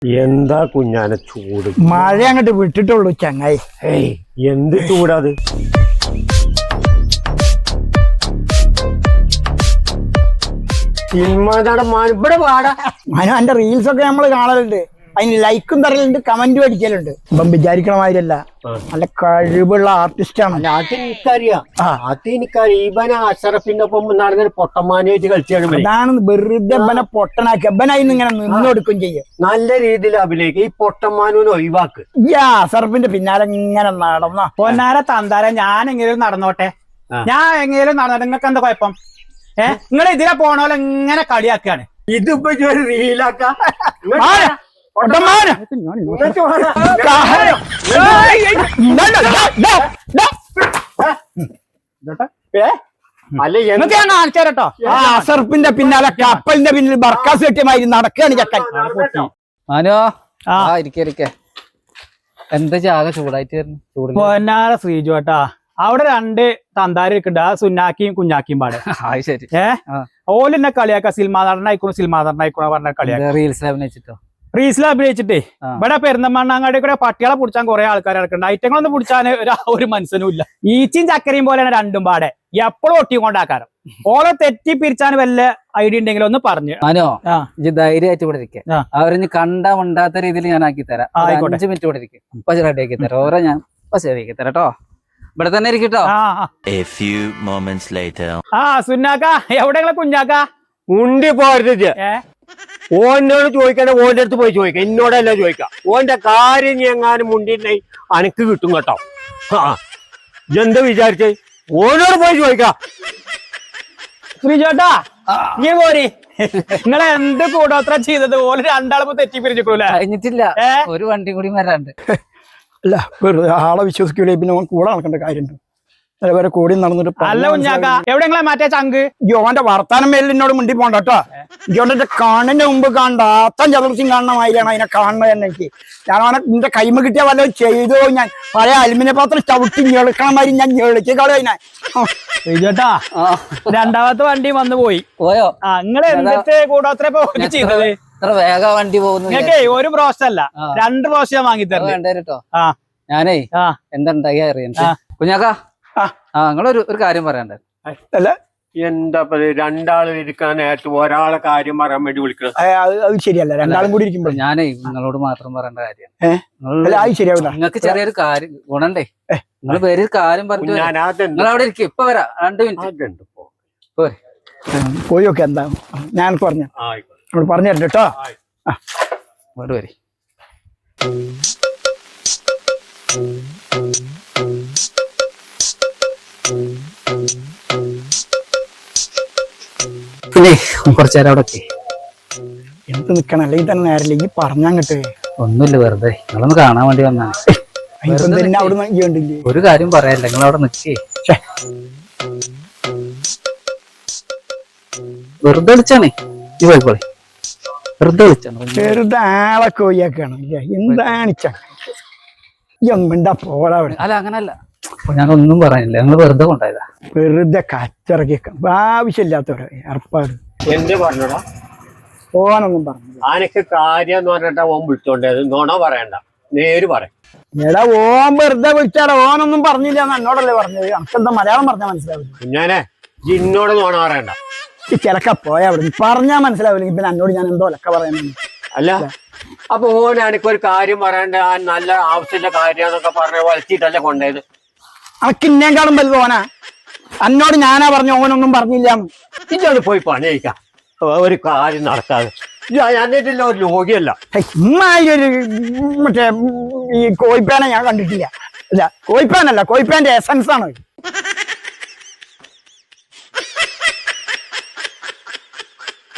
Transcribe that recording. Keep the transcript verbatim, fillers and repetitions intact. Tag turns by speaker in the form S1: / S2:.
S1: എന്താ കുഞ്ഞാനെ ചൂട്?
S2: മഴ അങ്ങോട്ട് വിട്ടിട്ടുള്ളൂ ചങ്ങായി.
S1: ഏയ് എന്ത് ചൂടാത്? സിനിമ നടൻ ഇവിടെ പാടാ.
S2: മനു എന്റെ റീൽസ് ഒക്കെ നമ്മള് കാണലുണ്ട്, അതിന് ലൈക്കും തരലുണ്ട്, കമന്റും അടിക്കലുണ്ട്. ഇപ്പം വിചാരിക്കണ മാതിരിയല്ല, നല്ല കഴിവുള്ള ആർട്ടിസ്റ്റ് ആണ്.
S1: അത് എനിക്കറിയാം, അത് എനിക്കറിയാം. ഇവനെ അഷറഫിന്റെ ഒപ്പം നടന്നൊരു പൊട്ടമാനായിട്ട് കളിച്ചാണ്.
S2: അതാണ് വെറുതെ ഇവനെ പൊട്ടനാക്കി ഇവനായിന്ന് ഇങ്ങനെ നിന്നൊടുക്കും ചെയ്യും.
S1: നല്ല രീതിയിൽ അഭിനയിക്കും. ഈ പൊട്ടമാനൂന് ഒഴിവാക്ക്.
S2: ഈ അഷറഫിന്റെ പിന്നാലെ ഇങ്ങനെ നടന്ന
S3: പൊന്നാര തന്താര ഞാൻ എങ്ങനെയും നടന്നോട്ടെ, ഞാൻ എങ്ങനെയും നടന്നോട്ടെ. നിങ്ങൾക്ക് എന്താ കുഴപ്പം? ഏഹ് നിങ്ങൾ ഇതിലെ പോണോലെ ഇങ്ങനെ കളിയാക്കാണ്.
S1: ഇതിപ്പോ ഒരു റീലാക്ക
S3: അല്ല എന്നൊക്കെ ഞാൻ കാണിച്ചേരട്ടോ.
S2: അഷറഫിന്റെ പിന്നാലെ കപ്പലിന്റെ പിന്നിൽ ബർക്കാസ് കെട്ടിയമായി നടക്കുകയാണ് ചക്കൻ.
S4: മനോ ആ ഇരിക്കെ എന്താ ചാക ചൂടായിട്ട് വരുന്നു?
S3: പൊന്നാര ശ്രീജോട്ടാ, അവിടെ രണ്ട് തന്താരി ഇരിക്കുന്നുണ്ട്, ആ സുന്നാക്കിയും കുഞ്ഞാക്കിയും പാടെ.
S4: ശരി.
S3: ഏഹ് ഓല് എന്നെ കളിയാക്ക സിനിമാ നടനായിക്കോണു സിനിമാ നടനായിക്കോണ പറഞ്ഞ കളിയാക്ക.
S4: റീൽസിൽ അഭിനയിച്ചിട്ടോ?
S3: റീൽസിൽ അഭിനയിച്ചിട്ടേ ഇവിടെ പെരുന്തമണ്ണാങ്ങാടി കൂടെ പട്ടികളെ പിടിച്ചാൻ കുറെ ആൾക്കാർ ഇറക്കുന്നുണ്ട്. ഐറ്റങ്ങളൊന്നും പിടിച്ചാൻ ഒരു മനസ്സിനും ഇല്ല. ഈച്ചയും ചക്കരയും പോലെയാണ് രണ്ടും പാടെ, എപ്പോഴും ഒട്ടിക്കൊണ്ടാക്കാരം. ഓളെ തെറ്റി പിരിച്ചാൻ വല്ല ഐഡിയ ഉണ്ടെങ്കിലും ഒന്ന് പറഞ്ഞു.
S4: മനോ ഇജ്ജ് ധൈര്യമായിട്ട് ഇവിടെ ഇരിക്കുക. അവരിഞ്ഞ് കണ്ടാ ഉണ്ടാത്ത രീതിയിൽ ഞാൻ ആക്കി തരാം. അഞ്ചു മിനിറ്റ് ഇവിടെ ഇരിക്കും, ഇപ്പൊ റെഡി ആക്കി തരാം. ഓരോ ഞാൻ ഇപ്പൊ ശരിയാക്കി തരാം കേട്ടോ. ഇവിടെ തന്നെ ഇരിക്കട്ടോ.
S3: ആ സുന്നാക്ക എവിടെയുള്ള കുഞ്ഞാക്ക?
S1: ഉണ്ടി പോരുത്. ഓനോട് ചോദിക്കണേ ഓന്റെ അടുത്ത് പോയി ചോദിക്കാം, എന്നോടല്ല ചോദിക്കാം. ഓന്റെ കാര്യം എങ്ങാനും മുണ്ടിട്ടുണ്ടെ അനക്ക് കിട്ടും കേട്ടോ. ആ എന്താ വിചാരിച്ചേ? ഓനോട് പോയി ചോദിക്കാം.
S3: ശ്രീജോട്ടാ നീ പോരി, നിങ്ങളെ എന്ത് കൂടോത്ര ചെയ്തത്? ഓല് രണ്ടാളും തെറ്റി പിരിച്ചിട്ടൂല.
S4: കഴിഞ്ഞിട്ടില്ല, ഒരു വണ്ടി കൂടി വരാണ്ട്.
S2: അല്ല വെറുതെ ആളെ വിശ്വസിക്കൂലേ, പിന്നെ കൂടെ നടക്കേണ്ട കാര്യമുണ്ട്. വരെ കൂടി നടന്നിട്ട്
S3: അല്ല കുഞ്ഞാക്ക എവിടെങ്ങളെ മാറ്റേ ചങ്ക്?
S2: ജോന്റെ വർത്താനം മേലിൽ എന്നോട് മുണ്ടി പോണ്ട കേട്ടോ. ജോന്റെ കാണുന്നതിന്റെ മുമ്പ് കാണണ്ട അത്തം ചതുർച്ചയും കാണുന്ന മാതിരിയാണ് അതിനെ കാണുന്നത് തന്നെ. എനിക്ക് ഞാൻ അവനെ നിന്റെ കൈമ കിട്ടിയ വല്ലതും ചെയ്തോ, ഞാൻ പഴയ അലുമിനിയം പാത്രം ചവിട്ടി ഞെളുക്കണ മാതിരി ഞാൻ ഞെളിച്ച് കളയാ.
S3: ശ്രീജോട്ടാ രണ്ടാമത്തെ വണ്ടി വന്നു പോയി
S4: പോയോ?
S3: ആ നിങ്ങള് എന്നിട്ട് കൂടോത്ര ചെയ്തത്?
S4: വേഗ വണ്ടി പോകുന്നു.
S3: നിങ്ങൾക്കേ ഒരു പ്രോസ്റ്റ് അല്ല രണ്ട് പ്രോസ്റ്റ് ഞാൻ വാങ്ങി തരാം
S4: കേട്ടോ. ആ ഞാനേ എന്താ ഉണ്ടായി അറിയാം കുഞ്ഞാക്ക. ആ നിങ്ങളൊരു ഒരു കാര്യം പറയണ്ടേ?
S2: അല്ല
S1: എന്താ രണ്ടാളും ഇരിക്കാനായിട്ട് ഒരാളെ കാര്യം പറയാൻ വേണ്ടി വിളിക്കണം.
S2: അത് ശരിയല്ല, രണ്ടാളും കൂടി ഇരിക്കുമ്പോൾ
S4: ഞാനേ നിങ്ങളോട് മാത്രം പറയേണ്ട കാര്യമാണ്.
S2: ശരിയാവില്ല.
S4: നിങ്ങൾക്ക് ചെറിയൊരു കാര്യം ഗുണണ്ടേ, നിങ്ങൾ പേര് കാര്യം പറഞ്ഞു. നിങ്ങൾ അവിടെ ഇരിക്കും, ഇപ്പൊ വരാം. രണ്ട് മിനിറ്റ്
S2: പോയി നോക്കെ. എന്താ ഞാൻ പറഞ്ഞ പറഞ്ഞു തരണ്ട കേട്ടോ.
S4: ഇങ്ങോട്ട് വരി. പിന്നെ കുറച്ചു നേരം അവിടെ
S2: എന്ത് നിക്കണം, അല്ലെങ്കിൽ തന്നെ നേരല്ലേ ഈ പറഞ്ഞങ്ങട്ട്.
S4: ഒന്നുമില്ല, വെറുതെ നിങ്ങളൊന്ന് കാണാൻ വേണ്ടി വന്നാണ്. ഒരു കാര്യം പറയാല്ല, നിങ്ങൾ അവിടെ നിക്കേ. വെറുതെ വിളിച്ചാണേ ഈ പോയിക്കോളെ, വെറുതെ വിളിച്ചാണ്.
S2: വെറുതെ ആളെ കോഴിയാക്കാണ്. എന്താണ് എന്താ പോടാ അവിടെ?
S4: അല്ല അങ്ങനല്ല, ഞാനൊന്നും പറയാനില്ല, ഞങ്ങൾ വെറുതെ കൊണ്ടായതാ.
S2: വെറുതെ കച്ചറക്കിയേക്കാം, ആവശ്യമില്ലാത്തവരെ ഏർപ്പാട്.
S1: എന്ത് പറഞ്ഞടാ?
S2: ഓനൊന്നും പറഞ്ഞു.
S1: ആനക്ക് കാര്യം എന്ന് പറഞ്ഞിട്ടാ ഓൻ വിളിച്ചോണ്ടത്. നോണോ പറയണ്ട, നേര് പറയാം.
S2: എടാ ഓൻ വെറുതെ വിളിച്ചാടാ, ഓനൊന്നും പറഞ്ഞില്ല എന്ന് എന്നോടല്ലേ പറഞ്ഞത്. നമുക്കെന്താ മലയാളം പറഞ്ഞാൽ മനസ്സിലാവില്ല.
S1: കുഞ്ഞാനെ ജിന്നോട് നോണ പറയണ്ട.
S2: ഈ ചിലക്ക പോയാ അവിടെ പറഞ്ഞാൽ മനസ്സിലാവില്ലെങ്കിൽ പിന്നെ എന്നോട് ഞാൻ എന്തോ ലക്ക പറയുന്നു.
S1: അല്ല അപ്പൊ ഓൻ എനിക്കൊരു കാര്യം പറയണ്ട, ആ നല്ല ആവശ്യമില്ല കാര്യന്നൊക്കെ പറഞ്ഞ വലിച്ചിട്ടല്ലേ കൊണ്ടത്.
S2: അനക്ക് ഇന്നേക്കാളും വലുത് ഓനാ. എന്നോട് ഞാനാ പറഞ്ഞു, ഓനൊന്നും പറഞ്ഞില്ല.
S1: ഇതോട് പോയി പണിയിക്കാം, ഒരു കാര്യം നടക്കാതെ. എന്നിട്ടില്ല ഒരു രോഗിയല്ല.
S2: ഇമ്മായൊരു മറ്റേ ഈ കോയിപ്പാനെ ഞാൻ കണ്ടിട്ടില്ല. അല്ല കോയിപ്പാനല്ല, കോയിപ്പാന്റെ എസൻസ് ആണ്.